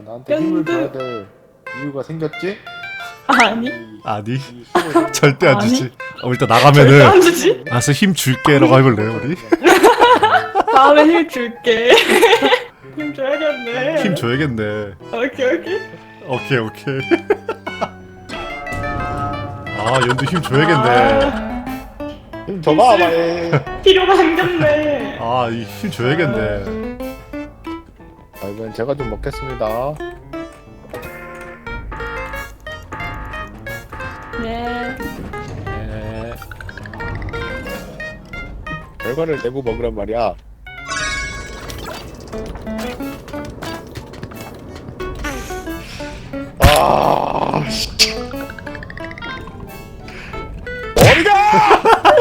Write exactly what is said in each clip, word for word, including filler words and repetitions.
나한테 힘을 연두. 줘야 될 이유가 생겼지? 아니 아니 이 힘을 절대 안 아니. 주지. 어, 일단 절대 나가면은 안 주지. 알았어 힘 줄게라고 해볼래요 우리? 다음에 힘 줄게. 힘 줘야겠네. 힘 줘야겠네. 오케이 오케이. 오케이 오케이. 아 연두 힘 줘야겠네. 아, 힘 줘봐 빨리. 필요가 생겼네. 아 이 힘 줘야겠네. 아, 이번엔 제가 좀 먹겠습니다. 네. 네. 결과를 내고 먹으란 말이야. 아, 씨. 머리가!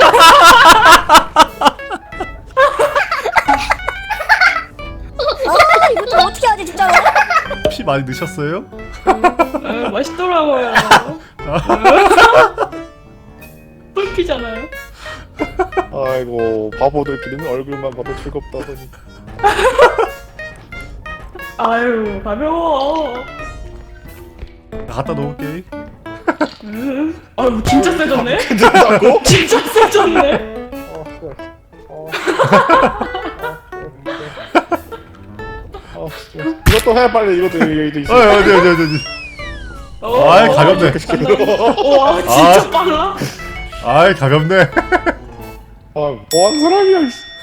아 이거 좀 어떻게 하지 진짜로? 피 많이 넣으셨어요? 어, 맛있더라고요. 꿀피잖아요. 아이고 바보들끼리는 얼굴만 봐도 즐겁다더니. 아유 가벼워. 갖다 놓을게. 음. 아유 진짜 세졌네. 괜찮다고? 진짜 세졌네. 어, 그래. 어. 어, 진짜. 이것도 해 빨리 이것도 이것도 있어. 어 어디 어디 어디 어디. 어, 아이 가볍네. 와 진짜 아. 빨라. 아이 가볍네. 아, 뭐하는 사람이야? 이씨.